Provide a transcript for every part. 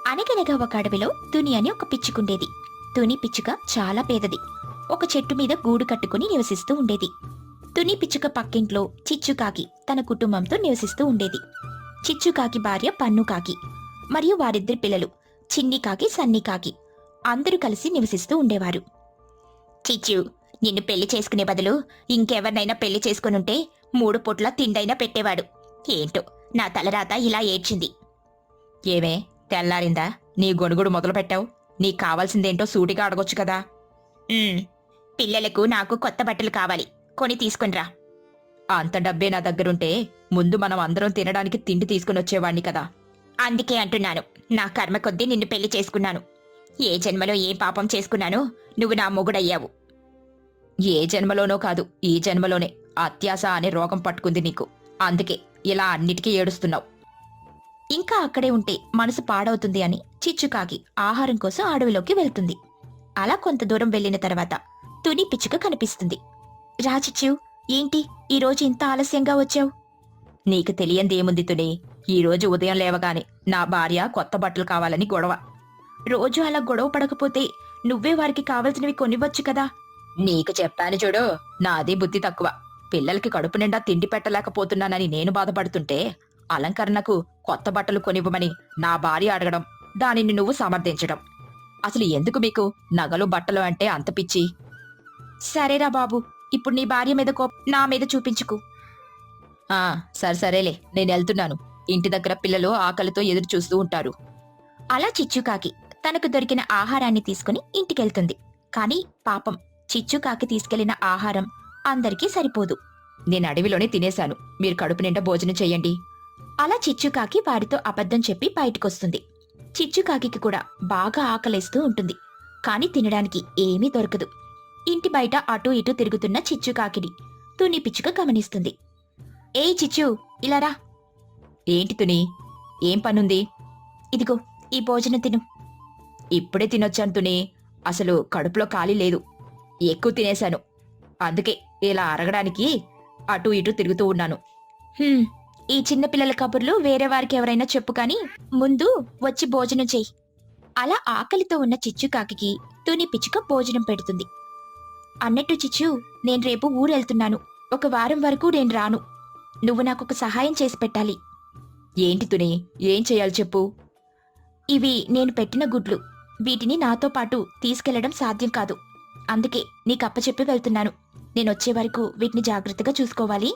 అనగనగా ఒక అడవిలో తుని అని ఒక పిచ్చుకుండేది. తుని పిచ్చుక చాలా పేదది. ఒక చెట్టు మీద గూడు కట్టుకుని నివసిస్తూ ఉండేది. తుని పిచ్చుక పక్కింట్లో చిచ్చుకాకి తన కుటుంబంతో నివసిస్తూ ఉండేది. చిచ్చుకాకి భార్య పన్నుకాకి మరియు వారిద్దరి పిల్లలు చిన్నికాకి సన్నికాకి అందరూ కలిసి నివసిస్తూ ఉండేవారు. చిచ్చు, నిన్ను పెళ్లి చేసుకునే బదులు ఇంకెవరినైనా పెళ్లి చేసుకునుంటే 3 పూట్ల తిండైనా పెట్టేవాడు. ఏంటో నా తలరాత ఇలా ఏడ్చింది. ఏమే, తెల్లారిందా? నీ గొణుగుడు మొదలు పెట్టావు. నీకు కావాల్సిందేంటో సూటిగా అడగొచ్చు కదా. పిల్లలకు నాకు కొత్త బట్టలు కావాలి, కొని తీసుకునిరా. అంత డబ్బే నా దగ్గరుంటే ముందు మనం అందరం తినడానికి తిండి తీసుకుని వచ్చేవాణ్ణి కదా. అందుకే అంటున్నాను, నా కర్మ కొద్దీ నిన్ను పెళ్లి చేసుకున్నాను. ఏ జన్మలో ఏ పాపం చేసుకున్నానో నువ్వు నా మొగుడయ్యావు. ఏ జన్మలోనో కాదు, ఈ జన్మలోనే అత్యాశ అనే రోగం పట్టుకుంది నీకు. అందుకే ఇలా అన్నిటికీ ఏడుస్తున్నావు. ఇంకా అక్కడే ఉంటే మనసు పాడవుతుంది అని చిచ్చుకాకి ఆహారం కోసం అడవిలోకి వెళ్తుంది. అలా కొంత దూరం వెళ్లిన తర్వాత తుని పిచ్చుక కనిపిస్తుంది. రా చిచ్చు, ఏంటి ఈరోజు ఇంత ఆలస్యంగా వచ్చావు? నీకు తెలియందేముంది తుని, ఈరోజు ఉదయం లేవగానే నా భార్య కొత్త బట్టలు కావాలని గొడవ. రోజు అలా గొడవ పడకపోతే నువ్వే వారికి కావలసినవి కొనివ్వచ్చు కదా. నీకు చెప్పాను చూడు, నాది బుద్ధి తక్కువ. పిల్లలకి కడుపు నిండా తిండి పెట్టలేకపోతున్నానని నేను బాధపడుతుంటే అలంకరణకు కొత్త బట్టలు కొనివ్వమని నా భార్య అడగడం, దానిని నువ్వు సమర్థించడం. అసలు ఎందుకు మీకు నగలు బట్టలు అంటే అంత పిచ్చి? సరేరా బాబు, ఇప్పుడు నీ భార్య మీద నా మీద చూపించుకు. సరేలే, నేను వెళ్తున్నాను. ఇంటి దగ్గర పిల్లలు ఆకలితో ఎదురు చూస్తూ ఉంటారు. అలా చిచ్చుకాకి తనకు దొరికిన ఆహారాన్ని తీసుకుని ఇంటికెళ్తుంది. కాని పాపం చిచ్చుకాకి తీసుకెళ్లిన ఆహారం అందరికీ సరిపోదు. నేను అడవిలోనే తినేశాను, మీరు కడుపు నిండా భోజనం చెయ్యండి. అలా చిచ్చుకాకి వారితో అబద్ధం చెప్పి బయటకొస్తుంది. చిచ్చుకాకి కూడా బాగా ఆకలేస్తూ ఉంటుంది. కాని తినడానికి ఏమీ దొరకదు. ఇంటి బయట అటూ ఇటూ తిరుగుతున్న చిచ్చుకాకిని తుని పిచ్చుక గమనిస్తుంది. ఏయ్ చిచ్చు, ఇలా రా. ఏంటి తుని, ఏం పనుంది? ఇదిగో ఈ భోజనం తిను. ఇప్పుడే తినొచ్చాను తుని, అసలు కడుపులో ఖాళీ లేదు. ఎక్కువ తినేశాను, అందుకే ఇలా అరగడానికి అటూ ఇటూ తిరుగుతూ ఉన్నాను. ఈ చిన్నపిల్లల కబుర్లు వేరే వారికి ఎవరైనా చెప్పు కాని ముందు వచ్చి భోజనం చెయ్యి. అలా ఆకలితో ఉన్న చిచ్చుకాకి తుని పిచ్చుక భోజనం పెడుతుంది. అన్నట్టు చిచ్చు, నేను రేపు ఊరెళ్తున్నాను. 1 వారం వరకు నేను రాను. నువ్వు నాకొక సహాయం చేసి పెట్టాలి. ఏంటి తుని, ఏం చేయాలి చెప్పు. ఇవి నేను పెట్టిన గుడ్లు. వీటిని నాతో పాటు తీసుకెళ్లడం సాధ్యం కాదు. అందుకే నీకప్పచెప్పి వెళ్తున్నాను. నేనొచ్చే వరకు వీటిని జాగ్రత్తగా చూసుకోవాలి.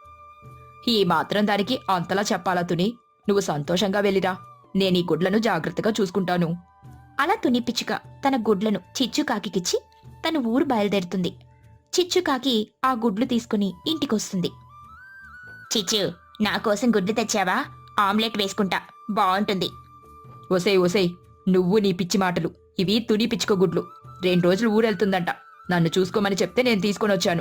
ఈ మాత్రం దానికి అంతలా చెప్పాలా తుని? నువ్వు సంతోషంగా వెళ్ళిరా, నేను ఈ గుడ్లను జాగ్రత్తగా చూసుకుంటాను. అలా తుని పిచ్చుక తన గుడ్లను చిచ్చుకాకిచ్చి తన ఊరు బయలుదేరుతుంది. చిచ్చుకాకి ఆ గుడ్లు తీసుకుని ఇంటికొస్తుంది. చిచ్చు, నా కోసం గుడ్లు తెచ్చావా? ఆమ్లెట్ వేసుకుంటా, బాగుంటుంది. ఓసేయ్, నువ్వు నీ పిచ్చి మాటలు. ఇవి తుని పిచ్చుక గుడ్లు. 2 రోజులు ఊరెళ్తుందంట. నన్ను చూసుకోమని చెప్తే నేను తీసుకొని వచ్చాను.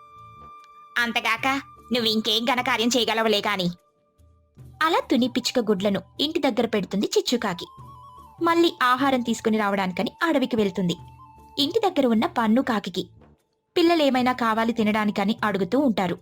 అంతగాక నువ్వు ఇంకేం ఘనకార్యం చేయగలవలే కాని. అలా తుని పిచ్చుక గుడ్లను ఇంటి దగ్గర పెడుతుంది చిచ్చుకాకి. మళ్ళీ ఆహారం తీసుకుని రావడానికని అడవికి వెళ్తుంది. ఇంటి దగ్గర ఉన్న పన్ను కాకి పిల్లలేమైనా కావాలి తినడానికని అడుగుతూ ఉంటారు.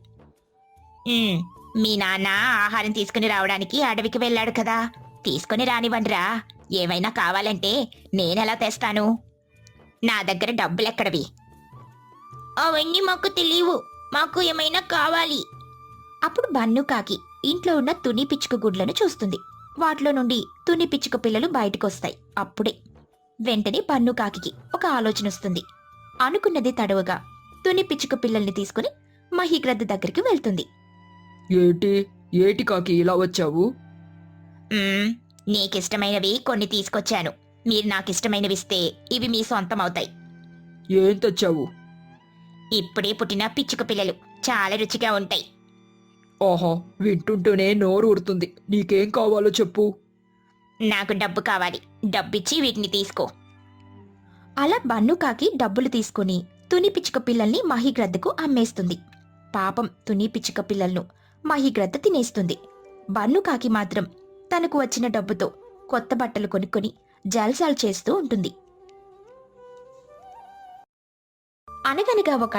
మీ నాన్న ఆహారం తీసుకుని రావడానికి అడవికి వెళ్ళాడు కదా, తీసుకుని రానివ్వండిరా. ఏమైనా కావాలంటే నేనెలా తెస్తాను? నా దగ్గర డబ్బులెక్కడవి? అవన్నీ మాకు తెలియవు, మాకు ఏమైనా కావాలి. అప్పుడు బన్ను కాకి ఇంట్లో ఉన్న తుని పిచ్చుక గుడ్లను చూస్తుంది. వాటిలో నుండి తుని పిచ్చుక పిల్లలు బయటకొస్తాయి. అప్పుడే వెంటనే బన్ను కాకి ఒక ఆలోచన వస్తుంది. అనుకున్నది తడవుగా తుని పిచ్చుక పిల్లల్ని తీసుకుని మహిగ్రద్ద దగ్గరికి వెళ్తుంది. ఏటి కాకి ఇలా వచ్చావు? నీకిష్టమైనవి కొన్ని తీసుకొచ్చాను. మీరు నాకిష్టమైనవిస్తే ఇవి మీ సొంతం అవుతాయి. ఏం తెచ్చావు? ఇప్పుడే పుట్టిన పిచ్చుక పిల్లలు, చాలా రుచిగా ఉంటాయి. ఆహా, వింటుంటేనే నోరు ఊరుతుంది. నీకేం కావాలో చెప్పు. నాకు డబ్బు కావాలి, డబ్బిచ్చి వీటిని తీసుకో. అలా బన్నుకాకి డబ్బులు తీసుకుని తుని పిచ్చుక పిల్లల్ని మహిగ్రద్దకు అమ్మేస్తుంది. పాపం తుని పిచ్చుక పిల్లలను మహిగ్రద్ద తినేస్తుంది. బన్నుకాకి మాత్రం తనకు వచ్చిన డబ్బుతో కొత్త బట్టలు కొనుక్కొని జల్సాలు చేస్తూ ఉంటుంది. అనగనగా ఒక